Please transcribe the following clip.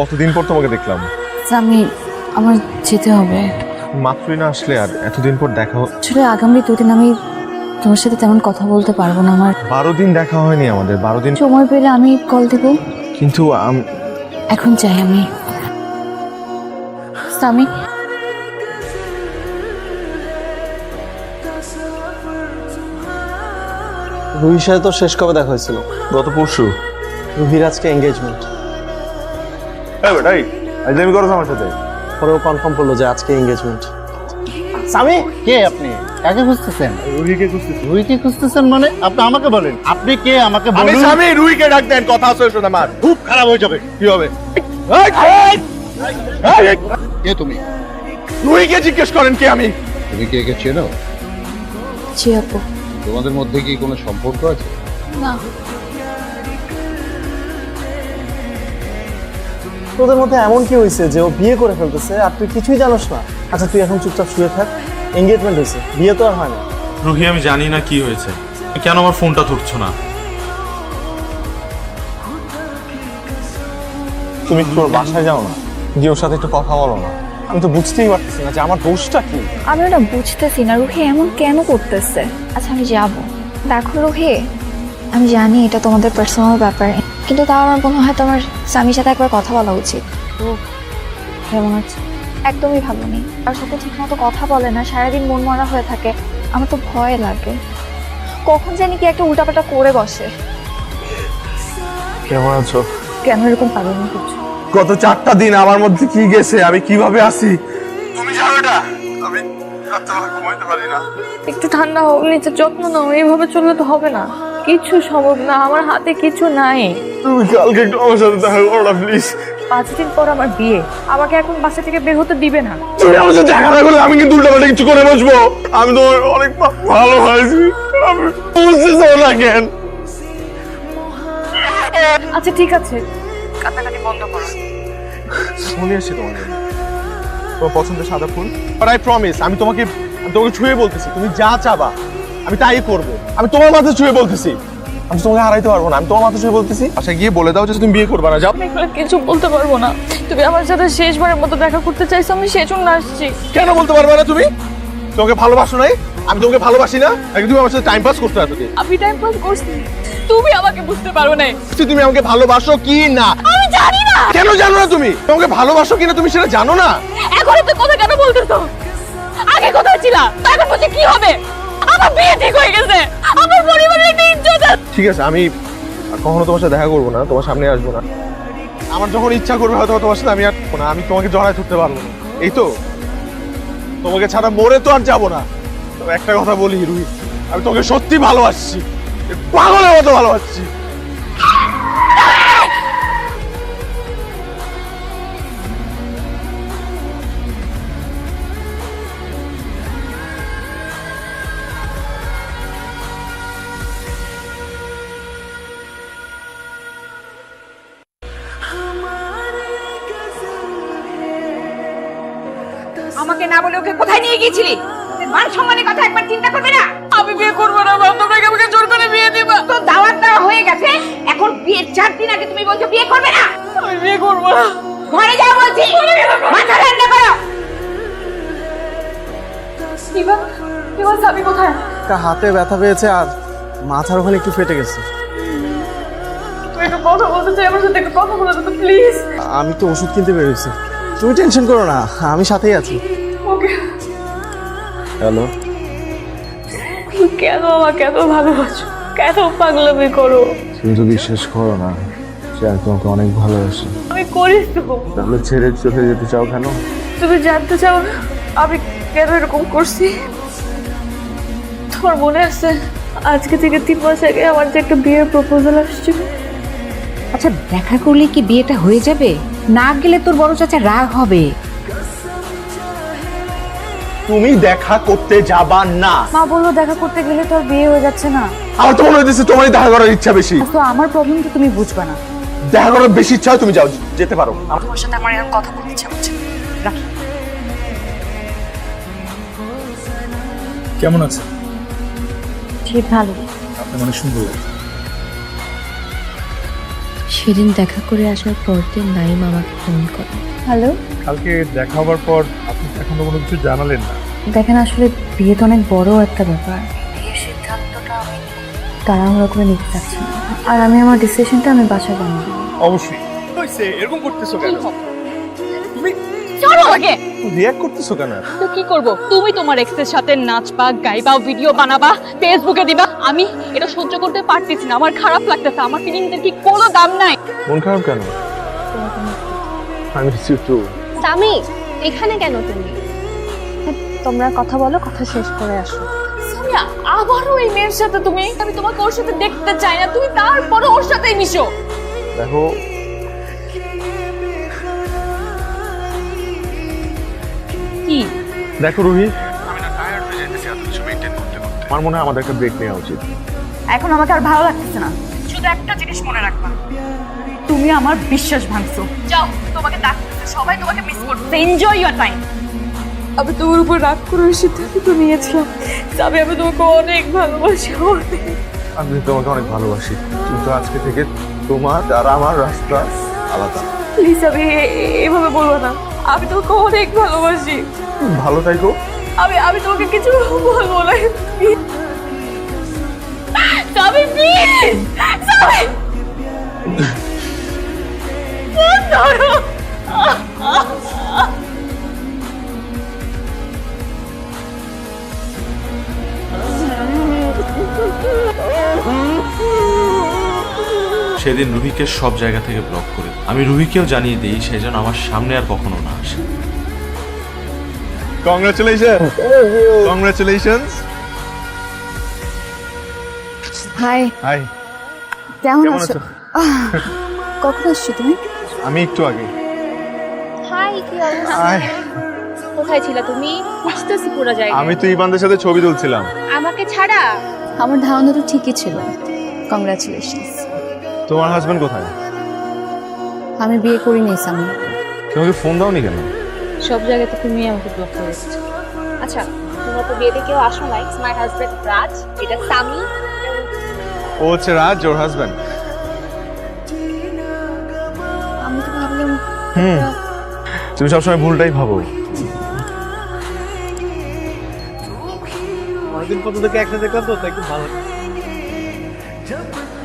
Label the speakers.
Speaker 1: কতদিন পর তোমাকে দেখলাম।
Speaker 2: আমি আমার যেতে হবে।
Speaker 1: মাত্রই না আসলে আর এতদিন পর দেখা
Speaker 2: আসলে আগামী দুদিন আমি তোমার সাথে তেমন কথা বলতে পারবো না। আমার
Speaker 1: 12 দিন দেখা হয়নি আমাদের, 12 দিন।
Speaker 2: সময় পেলে আমি কল দেব,
Speaker 1: কিন্তু
Speaker 2: এখন চাই আমি। স্বামী,
Speaker 3: রুহির সাথে তো শেষ কবে দেখা হয়েছিল?
Speaker 1: গত পরশু।
Speaker 3: রুহির আজকে এঙ্গেজমেন্ট।
Speaker 1: আমি করো আমার সাথে।
Speaker 3: পরেও কনফার্ম করলো যে আজকে এঙ্গেজমেন্ট।
Speaker 4: স্বামী, কে আপনি? কাকে খুঁজতেছেন?
Speaker 1: রুহিকে খুঁজতেছি।
Speaker 4: রুহিকে খুঁজতেছেন মানে? আপনি আমাকে বলেন, আপনি কে আমাকে
Speaker 1: আমি
Speaker 4: বলুন।
Speaker 1: স্বামী, রুহিকে ডাক দেন, কথা আছে শোনা আমার।
Speaker 4: খুব খারাপ হয়ে যাবে।
Speaker 1: কি হবে?
Speaker 4: কে তুমি?
Speaker 1: রুহিকে জিজ্ঞেস করেন কে আমি।
Speaker 5: তুমি কি একে চেনো?
Speaker 2: জি আপু।
Speaker 5: তোমাদের মধ্যে কি কোনো সম্পর্ক আছে?
Speaker 2: না,
Speaker 3: তোদের মধ্যে এমন কি হয়েছে যে ও বিয়ে করে ফেলতেছে আর তুই কিছুই জানোস না? আচ্ছা তুই এখন চুপচাপ শুয়ে থাক। এঙ্গেজমেন্ট হয়েছে, বিয়ে তো আর হয় না।
Speaker 6: রুহি, আমি জানি না কি হয়েছে, কেন আমার ফোনটা ধরছো না?
Speaker 1: তুমি তোর বাসায় যাও না, গিয়ে ওর সাথে একটু কথা বলো না। আমি তো বুঝতেই পারতেছি না যে আমার দোষটা কি।
Speaker 7: আমি ওটা বুঝতেছি না, রুহি এমন কেন করতেছে। আচ্ছা আমি যাব। দেখো রুহি, আমি জানি এটা তোমাদের পার্সোনাল ব্যাপার, কিন্তু তাও আমার মনে হয় তোমার স্বামীর সাথে একবার কথা বলা উচিত।
Speaker 2: তো কেমন আছে?
Speaker 7: একদমই ভালো নেই, তার সাথে ঠিক মতো কথা বলে না, সারাদিন মন মরা হয়ে থাকে। আমার তো ভয় লাগে, কখন জানি কি একটা উল্টাপাল্টা করে বসে।
Speaker 1: কেমন আছো?
Speaker 2: কেন এরকম পাগলামি করছো?
Speaker 1: গত 4টা দিন আমার মধ্যে কি গেছে, আমি কিভাবে আছি তুমি জানো না। আমি রাত্রেবেলা ঘুমাইতে পারি না।
Speaker 8: একটু ঠান্ডা হোক, নিজের যত্ন নাও। এইভাবে চললে তো হবে না, কিছু সম্ভব না, আমার হাতে কিছু নাই।
Speaker 1: তুমি কালকে একটু আমার সাথে দেখা করো না প্লিজ।
Speaker 8: 5 দিন পর আমার বিয়ে, আমাকে এখন বাসা থেকে বের হতে দিবে না।
Speaker 1: তুমি আমার সাথে দেখা না করলে আমি কিন্তু উল্টাপাল্টা কিছু করে বসবো। আমি তো অনেক ভালোবাসি, আমি বুঝতেছো না কেন?
Speaker 8: আচ্ছা ঠিক আছে, কান্নাকাটি বন্ধ করো।
Speaker 1: শুনে আসছি তোমার জন্য। তোমার পছন্দের সাদা ফুল। বাট আই প্রমিস, আমি তোমাকে ছুঁয়ে বলতেছি, তুমি যা চাবা আমি তাই করবো। আমি তোমার মাথায় ছুঁয়ে বলতেছি, আমি তোমাকে হারাইতে পারবো না। আমি তোমার মাথায় ছুঁয়ে বলতেছি, আচ্ছা গিয়ে বলে দাও যে তুমি বিয়ে করবে না। যাও।
Speaker 8: আমি এগুলো কিছু বলতে পারবো না। তুমি আমার সাথে শেষবারের মতো দেখা করতে চাইছো, আমি সেজন্য আসছি।
Speaker 1: কেন বলতে পারবে না তুমি? তোমাকে ভালোবাসো নাই? আমি তোমাকে ভালোবাসি না? নাকি তুমি আমার সাথে টাইম পাস করতে আসো?
Speaker 8: আমি টাইম পাস করছি, তুমি আমাকে বুঝতে পারো না।
Speaker 1: তুমি আমাকে ভালোবাসো কি না?
Speaker 8: আমি জানি না।
Speaker 1: কেন জানো না তুমি? তোমাকে ভালোবাসো কিনা তুমি সেটা জানো না?
Speaker 8: এখন এত কথা কেন বলতেছো? আগে কোথায় ছিলা, এখন বলছি কি হবে? আমার বিয়ে ঠিক হয়ে গেছে, আমার পরিবারের একটা ইজ্জত আছে।
Speaker 1: ঠিক আছে, আমি আর কখনো তোমার সাথে দেখা করবো না, তোমার সামনে আসবো না। আমার যখন ইচ্ছা করবে হয়তো তোমার সাথে আমি আর না, আমি তোমাকে জড়ায় ধরতে পারবো না। এই তো, তোমাকে ছাড়া মরে তো আর যাবো না। তবে একটা কথা বলি রুহি, আমি তোমাকে সত্যি ভালোবাসছি, পাগলের মতো ভালোবাসছি।
Speaker 9: আমাকে না বলে ওকে কোথায় নিয়ে গিয়েছিলি? মান সম্মানের কথা একবার চিন্তা করবে না?
Speaker 8: আমি বিয়ে করবো না, তোমরা কি আমাকে জোর করে বিয়ে দিবা?
Speaker 9: তো দাওয়াত দেওয়া হয়ে গেছে, এখন বিয়ের 4 দিন আগে তুমি বলছো বিয়ে করবে না?
Speaker 8: আমি বিয়ে করবো না।
Speaker 9: ঘরে যাও বলছি, মাথা ঠান্ডা করো।
Speaker 8: ইভান সাবি কোথায়?
Speaker 3: একটা হাতে ব্যথা পেয়েছে আর মাথার ওখানে একটু ফেটে গেছে।
Speaker 8: তুই একটু কথা বলতে চাই, আমার সাথে একটু কথা বলে দে প্লিজ।
Speaker 3: আমি তো ওষুধ কিনতে বেরোইছি, তুমি টেনশন করো না, আমি সাথেই আছি।
Speaker 8: ওকে।
Speaker 3: হ্যালো।
Speaker 8: তুমি কেন আমাকে এত ভালোবাসো, কেন পাগলামি করো?
Speaker 1: তুমি তো বিশ্বাস করো না যে আমি তোমাকে অনেক ভালোবাসি।
Speaker 8: আমি করিস তো।
Speaker 1: তাহলে ছেড়ে চলে যেতে চাও কেন?
Speaker 8: তুমি জানতে চাও না আমি কেন এরকম করছি? তোমার মনে আছে আজকে থেকে 3 মাস আগে আমার যে একটা বিয়ের প্রপোজাল আসছিল?
Speaker 9: আচ্ছা দেখা করলে কি বিয়েটা হয়ে যাবে? না গেলে তোর বড় চাচা রাগ হবে।
Speaker 1: তুমি দেখা করতে যাবা না।
Speaker 2: মা বললো দেখা করতে গেলে তো আর বিয়ে হয়ে যাচ্ছে না।
Speaker 1: আমার তো মনে হচ্ছে তোমারই দেখা করার ইচ্ছা বেশি।
Speaker 2: তো আমার প্রবলেম তো তুমি বুঝবা না।
Speaker 1: দেখা করার বেশি ইচ্ছা হয় তুমি যাও, যেতে পারো।
Speaker 2: তোমার সাথে আমার এরকম কথা বলতে ইচ্ছা হচ্ছে। রাখি।
Speaker 10: কেমন আছে?
Speaker 2: ঠিক ভালো।
Speaker 10: আপনি অনেক সুন্দর।
Speaker 2: সেদিন দেখা করে আসার পর দিন নাইম আমাকে ফোন করে। হ্যালো,
Speaker 1: কালকে দেখা হবার পর আপনি এখনো কোনো কিছু জানালেন না।
Speaker 2: দেখেন আসলে বিয়ে তো অনেক বড় একটা ব্যাপার, বিয়ের সিদ্ধান্তটা আমি তাড়াহুড়ো করে নিতে চাচ্ছি না। আর আমি আমার ডিসিশনটা আমি বাসায় জানিয়ে দেবো।
Speaker 1: অবশ্যই হইছে, এরকম করতেছো কেন?
Speaker 8: চলো আমাকে।
Speaker 1: রিঅ্যাক্ট করতেছো কেন?
Speaker 8: তো কি করব? তুমি তোমার এক্সের সাথে নাচবা, গাইবা, ভিডিও বানাবা, ফেসবুকে দিবা। আমি এটা সহ্য করতে পারতেছি না, আমার খারাপ লাগতেছে। আমার ফিলিংসের কি কোনো দাম নাই।
Speaker 1: মন খারাপ কেন? আমি একটু
Speaker 7: সামি, এখানে কেন তুমি? তোমরা কথা বলো, কথা শেষ করে আসো।
Speaker 8: সামিয়া, আবারও এই মেয়ের সাথে তুমি? আমি তোমাকে ওর সাথে দেখতে চাই না, তুমি তারপরে ওর সাথেই মিশো।
Speaker 1: দেখো,
Speaker 8: কি
Speaker 1: দেখো রুহি, আমি না টায়ার্ড হয়ে যাইতেছি এত কিছু মেইনটেইন করতে করতে। আমার মনে হয় আমাদের একটা ব্রেক নেওয়া উচিত।
Speaker 8: এখন আমাকে আর ভালো লাগতেছে না। শুধু একটা জিনিস মনে রাখবা, তুমি আমার বিশ্বাস ভাঙছো। যাও, তোমাকে ডাকতেছে, সবাই তোমাকে মিস করতেছে। Enjoy your time. আমি তোমার উপর রাগ করে সিদ্ধান্ত তো নিয়েছিলাম। তবে আমি তোমাকে অনেক ভালোবাসি, অনেক।
Speaker 1: আমি তোমাকে অনেক ভালোবাসি, কিন্তু আজকে থেকে তোমার আর আমার রাস্তা আলাদা।
Speaker 8: প্লিজ, আমি এভাবে বলবো না। আমি তোমাকে অনেক ভালোবাসি।
Speaker 1: ভালো থাকো।
Speaker 8: আমি তোমাকে কিছু বলবো না। সামি, প্লিজ, সামি। ধরো।
Speaker 6: সেদিন রুহিকে সব জায়গা থেকে ব্লক করে আমি রুহিকেও জানিয়ে দিই সে যেন আমার সামনে আর কখনো না আসে।
Speaker 1: Congratulations, congratulations.
Speaker 2: হাই,
Speaker 1: হাই,
Speaker 2: কেমন
Speaker 1: কেমন
Speaker 2: আছো?
Speaker 1: আছো?
Speaker 2: কখন আসছো তুমি?
Speaker 1: আমি একটু আগে।
Speaker 7: হাই, কি অবস্থা?
Speaker 1: হাই,
Speaker 7: কোথায় ছিলা তুমি? বুঝতেছি পুরো জায়গা।
Speaker 1: আমি তো ইবানদের সাথে ছবি তুলছিলাম।
Speaker 7: আমাকে ছাড়া?
Speaker 2: আমার ধারণা তো ঠিকই ছিল। কংগ্রাচুলেশনস।
Speaker 1: তোমার হাজবেন্ড কোথায়?
Speaker 2: আমি বিয়ে করিনি সামি।
Speaker 1: তোমাকে ফোন দাওনি কেন?
Speaker 7: সব জায়গাতে তুমি আমাকে ব্লক করে এসেছো। আচ্ছা, তোমরা তো বিয়েতে কেউ আসো নাই। মাই হাজবেন্ড রাজ, এটা সামি।
Speaker 1: ও হচ্ছে রাজ, ওর হাজবেন্ড।
Speaker 2: আমি তো ভাবলাম
Speaker 1: তুমি সবসময় ভুলটাই ভাবো।
Speaker 3: অনেকদিন পর্যন্ত একসাথে দেখলাম তো, তাই খুব ভালো।